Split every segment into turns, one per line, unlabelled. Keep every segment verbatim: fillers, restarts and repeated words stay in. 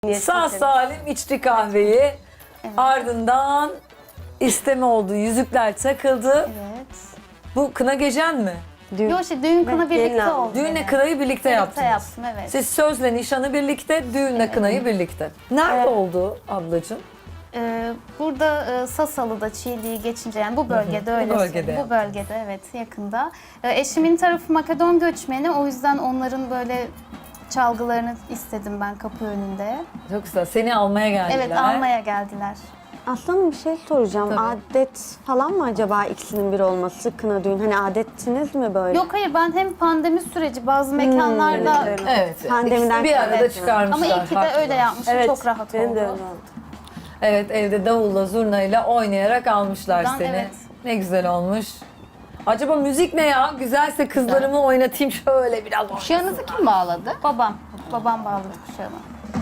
Sağ salim içti kahveyi.
Evet.
Ardından isteme oldu. Yüzükler takıldı.
Evet.
Bu kına gecen mi?
Düğün.
Yok işte düğün kına
Evet,
birlikte
gelin aldım.
oldu.
Düğünle
evet.
kınayı birlikte
Birlikte
yaptınız.
yaptım, evet.
Siz sözle nişanı birlikte, düğünle kınayı birlikte. Nerede
Evet.
oldu ablacığım?
Ee, burada e, Sasalı'da Çiğli'yi geçince yani bu bölgede öyle.
bölgede
Bu
yaptın.
bölgede evet yakında. Ee, eşimin tarafı Makedon göçmeni, o yüzden onların böyle çalgılarını istedim ben kapı önünde.
Çok güzel. Seni almaya geldiler.
Evet, almaya geldiler.
Aslanım bir şey soracağım.
Tabii.
Adet falan mı acaba ikisinin bir olması kına düğün? Hani adettiniz mi böyle?
Yok hayır, ben hem pandemi süreci bazı mekanlarda
evet,
Evet.
Pandemiden
İkisini bir arada
evet.
çıkarmışlar.
ama iyi ki de
haklılar.
öyle yapmışım. Çok rahat
benim
oldu.
de öyle oldu.
Evet, evde davulla zurnayla oynayarak almışlar
Ben-
seni.
evet.
Ne güzel olmuş. Acaba müzik ne ya? Güzelse kızlarımı oynatayım şöyle biraz.
Kuşağınızı kim bağladı?
Babam. Babam bağladı kuşağımı.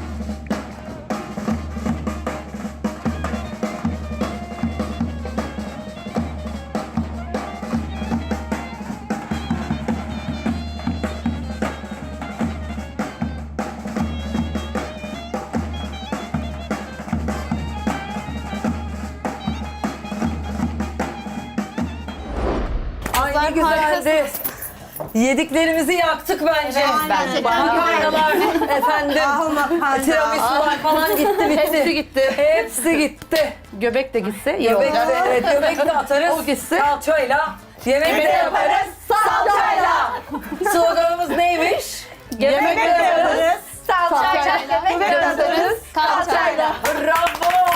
Ay ne güzeldi. Yediklerimizi yaktık bence.
bence de.
Makarnalar, efendim, tiramisular falan gitti bitti.
Hepsi gitti.
Hepsi gitti.
Göbek de gitse iyi
Göbek
olacak.
de, evet, göbek de atarız.
O gitsin.
Salçayla. Yemek de yaparız. Salçayla. Sloganımız neymiş?
Yemek de yaparız.
Salçayla.
Yemek de yaparız.
Kalçayla.
Bravo.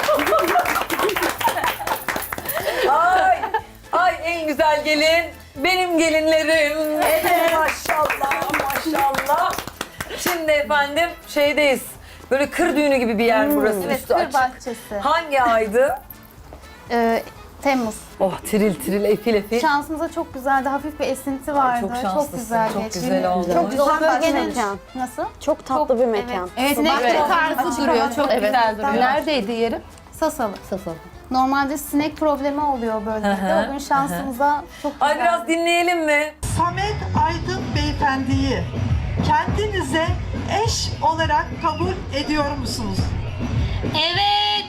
Ay, ay en güzel gelin. Benim gelinlerim. Evet. Maşallah, maşallah. Şimdi efendim şeydeyiz. Böyle kır düğünü gibi bir yer burası.
Evet,
Üstü
kır
açık.
bahçesi.
Hangi aydı?
Ee, Temmuz.
Oh tiril tiril efil efil.
Şansımıza çok güzeldi. Hafif bir esinti vardı.
çok
Çok,
şanslısın,
güzel
çok
geçti.
güzel oldu.
Çok güzel
Güzel bir
bölgenin...
mekan.
Nasıl?
Çok tatlı bir mekan.
Evet.
Sinek
Evet.
tarzı
Açık
duruyor.
hava.
Çok
Evet.
güzel duruyor. Neredeydi yeri?
Sasalı.
Sasalı.
Normalde sinek problemi oluyor
Hı
bölgede.
hı,
O gün şansımıza çok güzel.
Ay biraz dinleyelim mi?
Samet Aydın Beyefendi'yi kendinize eş olarak kabul ediyor musunuz?
Evet.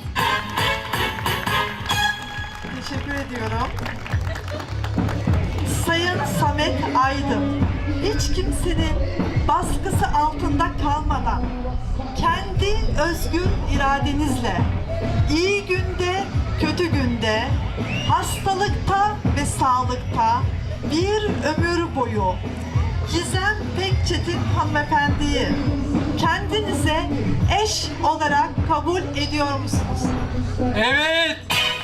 Teşekkür ediyorum. Sayın Samet Aydın, hiç kimsenin baskısı altında kalmadan kendi özgür iradenizle iyi günde, kötü günde, hastalıkta ve sağlıkta bir ömür boyu Gizem Pekçetin hanımefendiyi kendinize eş olarak kabul ediyor musunuz?
Evet.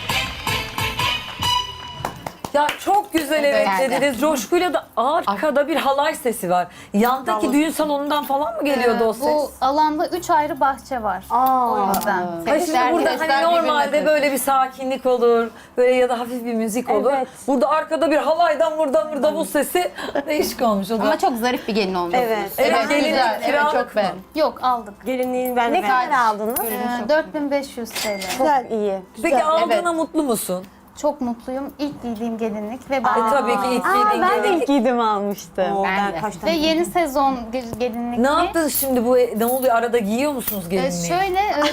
Ya çok güzel evet,
Evet.
dediniz. Coşkuyla da arkada bir halay sesi var. Yandaki düğün salonundan falan mı geliyordu o ses?
Bu alanda üç ayrı bahçe var. O yüzden.
Ay şimdi
Sesler-
burada
sesler
hani
birbirine
normalde
karışıyor.
böyle bir sakinlik olur. Böyle ya da hafif bir müzik olur.
Evet.
Burada arkada bir halaydan buradan bir davul sesi değişik olmuş o da.
Ama çok zarif bir gelin olmuş.
Evet.
Evet,
Evet,
gelin
güzel. Evet,
kiralık
çok
mı?
beğendim.
Yok, aldık.
Gelinliğin ben ne kadar aldınız?
Ee, dört bin beş yüz T L.
Güzel, iyi.
Peki
Güzel.
aldığına
evet.
mutlu musun?
Çok mutluyum. İlk giydiğim gelinlik ve
E,
ben
tabii ki ilk
Aa,
giydiğin
ben de
gelinlik.
ilk giydim almıştım.
Ben de.
ve yeni sezon ge- gelinlik.
Ne yaptınız şimdi bu ne oluyor arada giyiyor musunuz
Ee,
gelinliği?
şöyle e,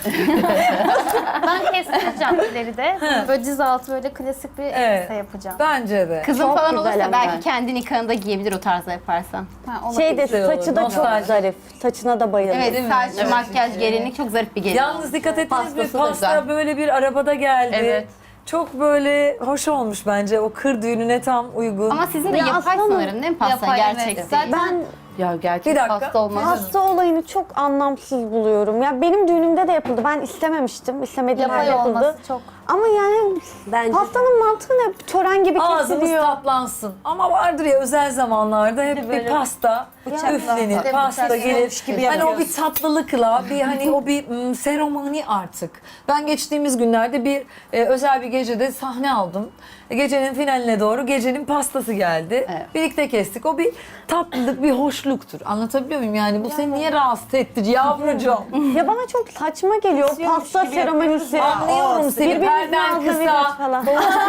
ben kestireceğim ileride. Böyle diz altı böyle klasik bir
Evet.
elbise yapacağım.
Bence de.
Kızın
Çok
falan
güzel
olursa
ama.
belki kendi nikahında giyebilir o tarzda yaparsan.
Ha, olabilir.
Şey de
Güzel olur,
saçı da çok
nostalji.
zarif. Saçına da bayıldım.
Evet,
Değil mi?
saç,
Evet.
makyaj, gelinlik çok zarif bir gelin
Yalnız
olmuş.
dikkat ettiniz mi?
Pastası da
Pasta
güzel.
böyle bir arabada geldi.
Evet.
Çok böyle hoş olmuş bence. O kır düğününe tam uygun.
Ama sizin de
Ya
yapay
aslında-
sanırım değil mi pasta
Yapay, evet.
gerçekten?
Zaten
Ben
Ya gerçek
Bir dakika.
pasta olmaz.
hasta olayını çok anlamsız buluyorum. Ya benim düğünümde de yapıldı. Ben istememiştim. İstemediğim
yapay
halde yapıldı.
olması çok.
Ama yani pastanın mantığı ne? Tören gibi
Ağzımız
kesiliyor.
tatlansın. Ama vardır ya özel zamanlarda hep bir pasta üflenir,
Evet,
pasta
bıçakla
gelir.
gibi
Hani o
yapıyoruz.
bir tatlılıkla, bir hani o bir mm, seremoni artık. Ben geçtiğimiz günlerde bir e, özel bir gecede sahne aldım. Gecenin finaline doğru gecenin pastası geldi.
Evet.
Birlikte kestik. O bir tatlılık, bir hoşluk. boşluktur. Anlatabiliyor muyum yani? Bu seni niye rahatsız ettir yavrucuğum?
Ya bana çok saçma geliyor pasta seremonisi.
Anlıyorum seni,
Birbirimizin
perden
ağzına
kısa.
veriyoruz falan.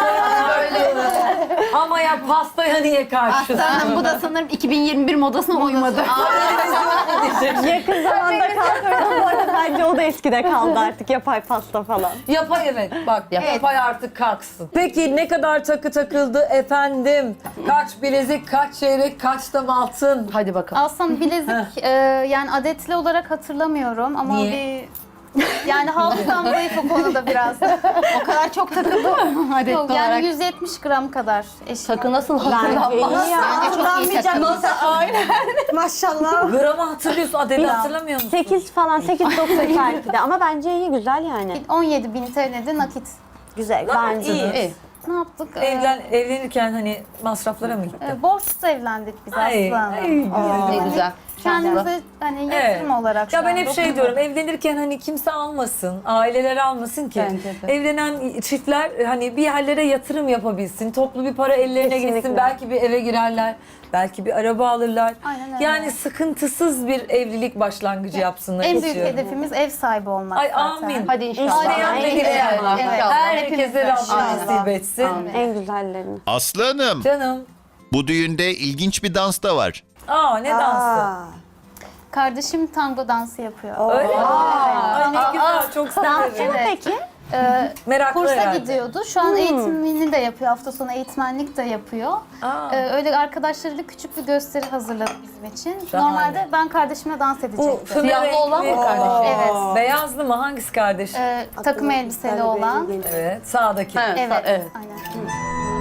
Ama ya pastaya niye karşı?
Aslanım bu da sanırım iki bin yirmi bir modasına uymadı.
Yakın zamanda kaldırdım bu arada, bence o da eskide kaldı artık, yapay pasta falan.
Yapay evet bak yapay artık kalksın. Peki ne kadar takı takıldı efendim? Kaç bilezik, kaç çeyrek, kaç da altın?
Hadi bakalım.
Aslında bilezik e, yani adetli olarak hatırlamıyorum ama
Niye?
bir yani hafızam zayıf o konuda biraz.
O kadar çok takıldı mı adetli
Yok,
olarak?
yani yüz yetmiş gram kadar eşya.
Takı nasıl
Bence
hatırlanmaz?
iyi ya.
Bence çok iyi takı.
Maşallah.
Gramı hatırlıyorsun, adeti hatırlamıyor musun?
sekiz falan, sekiz dokuz belki de, ama bence iyi, güzel yani.
on yedi bin T L'de nakit.
Güzel bence
iyi.
de.
İyi.
Ne yaptık? Ee,
Evlen, evlenirken hani masraflara mı gitti?
e, borçsuz evlendik biz
Ay,
aslında.
ay, güzel.
Ne güzel.
Kendimize hani yatırım olarak
Ya
şu
ben
an
hep şey
dokunuyoruz.
diyorum, evlenirken hani kimse almasın, aileler almasın ki.
Bence de.
Evlenen çiftler hani bir yerlere yatırım yapabilsin, toplu bir para ellerine
Kesinlikle.
geçsin, belki bir eve girerler, belki bir araba alırlar.
Aynen öyle.
Yani sıkıntısız bir evlilik başlangıcı yapsınlar
En büyük
istiyorum.
hedefimiz ev sahibi olmak
Ay
zaten.
amin.
Hadi inşallah.
İsteyen de
Ay,
dileyen
inşallah.
var.
Evet.
Herkese
Hepimiz
Rabbim
inşallah.
nasip etsin.
Amin.
En güzellerini.
Aslı Hanım,
Canım.
bu düğünde ilginç bir dans da var.
Aa ne dansı?
Kardeşim tango dansı yapıyor.
Öyle mi? Ay ne güzel, çok severim.
Evet.
Peki.
Ee,
Meraklı
kursa
herhalde.
gidiyordu. Şu an eğitimini de yapıyor. Hafta sonu eğitmenlik de yapıyor.
Aa.
Ee, öyle arkadaşlarıyla küçük bir gösteri hazırladı bizim için.
Şahane.
Normalde ben kardeşimle dans
Bu
edecektim.
fırla
Siyahlı olan mı
renkli-
kardeşi?
Evet.
Beyazlı mı? Hangisi kardeş?
Ee, takım elbiseli olan.
Evet, sağdaki.
Ha,
Evet.
evet.
Aynen.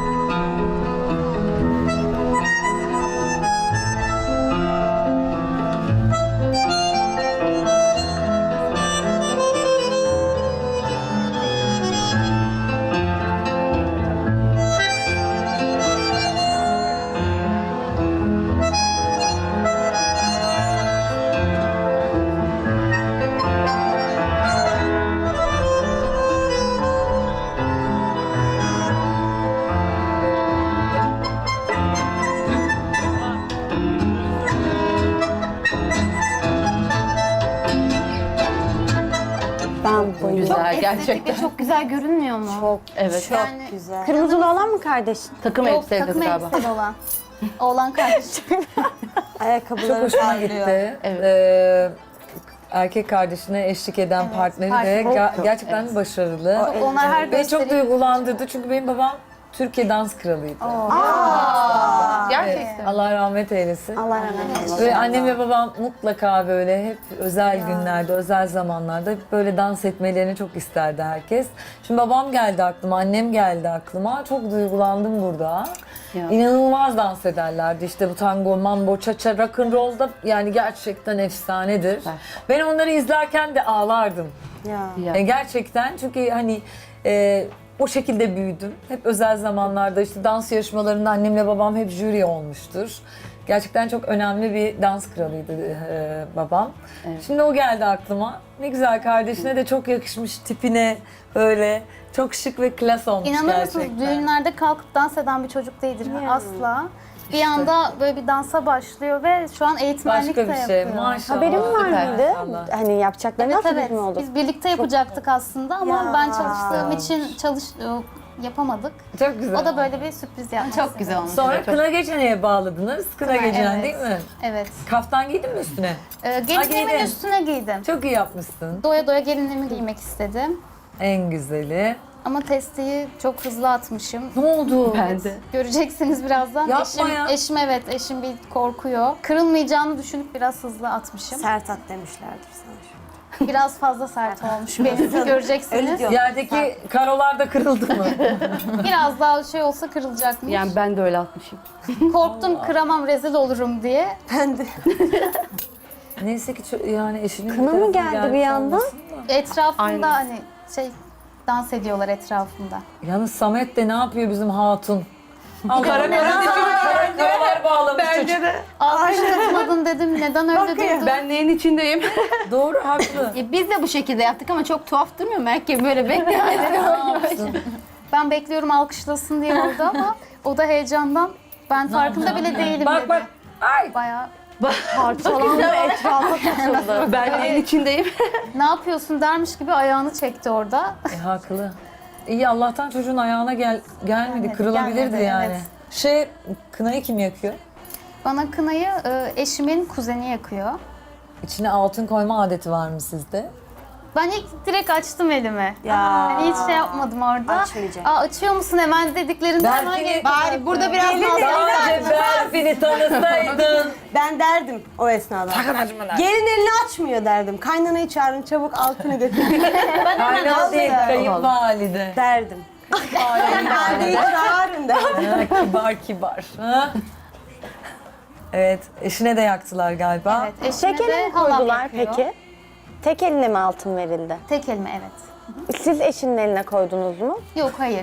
Ben bayılıyorum.
Güzel
Estetik
gerçekten.
ve çok güzel görünmüyor mu?
Çok
Evet.
yani,
güzel. Kırmızılı olan mı kardeşin?
Takım
Yok,
elbise
takım
galiba.
elbiseli olan. Oğlan kardeşim.
Ayakkabıları
Çok hoşuma
parlıyor.
gitti.
Evet.
Ee, erkek kardeşine eşlik eden
Evet,
partneri de
partneri
ge-
çok-
gerçekten başarılı.
Çok, onlar her
Beni çok
gösteri...
duygulandırdı çünkü benim babam Türkiye dans kralıydı.
Gerçekten.
Allah rahmet eylesin.
Allah rahmet eylesin.
Ve annem ve babam mutlaka böyle hep özel günlerde, özel zamanlarda hep böyle dans etmelerini çok isterdi herkes. Şimdi babam geldi aklıma, annem geldi aklıma. Çok duygulandım burada.
Ya.
İnanılmaz dans ederlerdi. İşte bu tango, mambo, cha-cha, rock'n'roll'da yani gerçekten efsanedir.
Süper.
Ben onları izlerken de ağlardım.
Ya.
Ya.
E, gerçekten çünkü hani e, o şekilde büyüdüm. Hep özel zamanlarda işte dans yarışmalarında annemle babam hep jüri olmuştur. Gerçekten çok önemli bir dans kralıydı e, babam.
Evet.
Şimdi o geldi aklıma. Ne güzel, kardeşine de çok yakışmış tipine, böyle çok şık ve klas olmuş
İnanır
gerçekten.
mısınız düğünlerde kalkıp dans eden bir çocuk değildir asla. Bir anda böyle bir dansa başlıyor ve şu an eğitmenlik
Başka
de
bir şey,
yapıyor.
maşallah.
Haberin var
Süper.
mıydı?
Maşallah.
Hani yapacakları
Evet
nasıl
evet.
bir oldu?
Biz birlikte yapacaktık aslında ama
Ya.
ben çalıştığım için çalış yapamadık.
Çok güzel.
O da böyle bir sürpriz yaptı.
Çok güzel olmuş.
Sonra
Çok-
kına gecene'ye bağladınız. Kına,
Kına,
gecen
evet.
değil mi?
Evet.
Kaftan giydin mi üstüne?
Ee, gelinliğimin
giydin.
üstüne giydim.
Çok iyi yapmışsın.
Doya doya gelinliğimi giymek istedim.
En güzeli.
Ama testiyi çok hızlı atmışım.
Ne oldu?
Ben de.
Göreceksiniz birazdan.
Yapma
eşim,
ya.
eşim evet, eşim bir korkuyor. Kırılmayacağını düşünüp biraz hızlı atmışım.
Sert at demişlerdir sana.
Biraz fazla sert olmuş benim. Göreceksiniz.
diyor.
Yerdeki karolar da kırıldı mı?
Biraz daha şey olsa kırılacakmış.
Yani ben de öyle atmışım.
Korktum kıramam, rezil olurum diye.
Ben de.
Neyse ki ço- yani eşinin
Kına
bir
mı
tarafı
geldi bir
gelmiş
anda?
olmasın da.
Etrafımda
Aynen.
hani şey dans ediyorlar etrafımda.
Yalnız Samet de ne yapıyor bizim hatun? Allah Allah. Karalar bağlamış çocuk.
Alkış tutmadın dedim. Neden öyle durdun?
Ben neyin içindeyim?
Doğru, haklı.
E, biz de bu şekilde yaptık ama çok tuhaf durmuyor mu? Herkes böyle bekliyor.
Ben bekliyorum alkışlasın diye oldu ama o da heyecandan ben farkında bile değilim
Bak
dedi.
bak. Ay.
Bayağı
Parçalandı, etrafa saçıldı.
Ben en içindeyim.
Ne yapıyorsun dermiş gibi ayağını çekti orada.
E, haklı. İyi Allah'tan çocuğun ayağına gel gelmedi.
Gelmedi,
Kırılabilirdi
gelmedi,
yani.
evet.
Şey, kınayı kim yakıyor?
Bana kınayı e, eşimin kuzeni yakıyor.
İçine altın koyma adeti var mı sizde?
Ben ilk direkt açtım elimi.
Ya.
Hani hiç şey yapmadım orada.
Açmayacak.
Aa, açıyor musun hemen dediklerinde hemen
Berfin'i,
gelip
Bari burada biraz
Sadece Berfin'i tanısaydın.
Ben derdim o esnada. Gelin elini açmıyor derdim. Kaynanayı çağırın çabuk altını götürün
Kaynana değil, kayınvalide.
derdim. Kayınvalideyi çağırın derdim.
Ha, kibar kibar. Ha? Evet, eşine de yaktılar galiba.
Evet, eşime
Tek eline
de
mi
halam
koydular
yapıyor.
peki? Tek eline mi altın verildi?
Tek elime evet.
Siz eşinin eline koydunuz mu?
Yok hayır.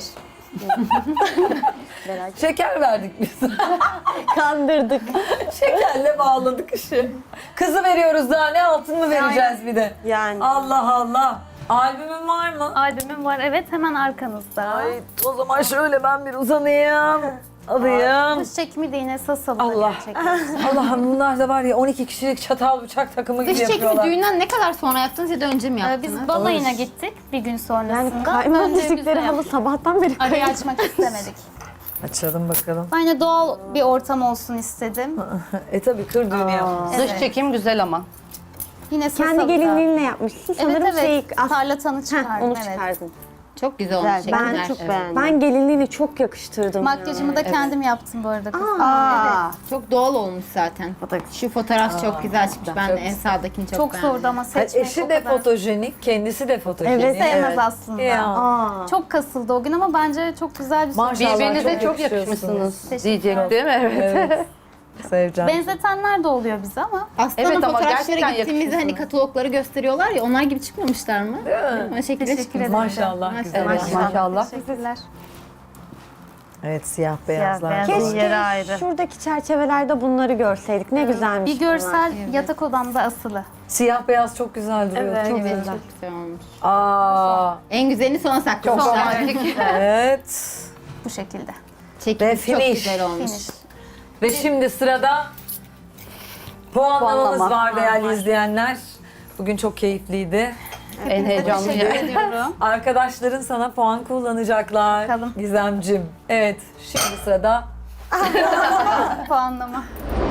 Şeker verdik biz.
Kandırdık.
Şekerle bağladık işi. Kızı veriyoruz daha ne altın mı vereceğiz bir de?
Yani.
Allah Allah. Albümün var mı?
Albümüm var evet hemen arkanızda.
Ay o zaman şöyle ben bir uzanayım. Alayım.
Dış çekimi de yine Sasalı'da
Allah.
gerçekten.
Allah'ım bunlar da var ya on iki kişilik çatal bıçak takımı gibi
Dış çekimi
yapıyorlar.
düğünden ne kadar sonra yaptınız ya da önce mi
Ee,
yaptınız?
Biz balayına gittik bir gün
Yani
sonrasında.
kaymak
Önce biz de
dişlikleri halı
yaptık.
sabahtan beri
Arayı
kaymak.
açmak istemedik.
Açalım bakalım.
Ben de doğal bir ortam olsun istedim.
E tabii kır düğünü yapmış.
Evet.
Dış çekim güzel ama.
Yine
Kendi
Sasalı'da.
gelinliğinle yapmışsın.
Evet
Sanırım
evet.
şey, as-
Tarlatanı
Heh,
çıkardım
onu
evet.
çıkardın.
Çok güzel olmuş
Ben
çekimler.
çok
Evet.
beğendim.
Ben gelinliğini çok yakıştırdım.
Makyajımı da kendim yaptım bu arada kızım.
Aa,
Çok doğal olmuş zaten. Şu fotoğraf çok güzel çıkmış. Ben de en sağdakini çok,
Çok
beğendim.
zordu ama
Hayır,
seçmek
eşi
o
de
kadar.
fotojenik, kendisi de fotojenik.
Evet,
Sevmez aslında.
Ya.
Aa.
Çok kasıldı o gün ama bence çok güzel bir sonuç.
Maşallah
Birbirinize çok
yakışıyorsunuz.
yakışmışsınız
Teşekkür
diyecek değil mi? Evet.
Evet. Seveceğim.
Benzetenler de oluyor bize ama.
Aslanın
Evet ama
fotoğraflara
gerçekten
gittiğimizde hani katalogları gösteriyorlar ya onlar gibi çıkmamışlar mı? Değil mi? O şekilde
Teşekkür
çıkmış.
ederim.
Maşallah güzel.
Maşallah.
Maşallah.
Teşekkürler.
Evet siyah beyazlar.
beyaz.
Keşke
Yeri ayrı.
şuradaki çerçevelerde bunları görseydik. Ne güzelmiş
Bir görsel yatak odamda asılı.
Siyah beyaz çok güzel duruyor.
Evet.
Çok
Evet
güzel.
çok güzel olmuş.
Aa,
En güzelini sona saklamışlar.
evet.
Bu şekilde.
Çekim
Ve
çok
finish.
güzel olmuş.
Finish.
Ve şimdi sırada puanlamamız
Puanlama.
var değerli izleyenler. Bugün çok keyifliydi.
En heyecanlı
Teşekkür
yer.
ediyorum.
Arkadaşların sana puan kullanacaklar.
Bakalım.
Gizemcim. Evet, şimdi sırada
Puanlama.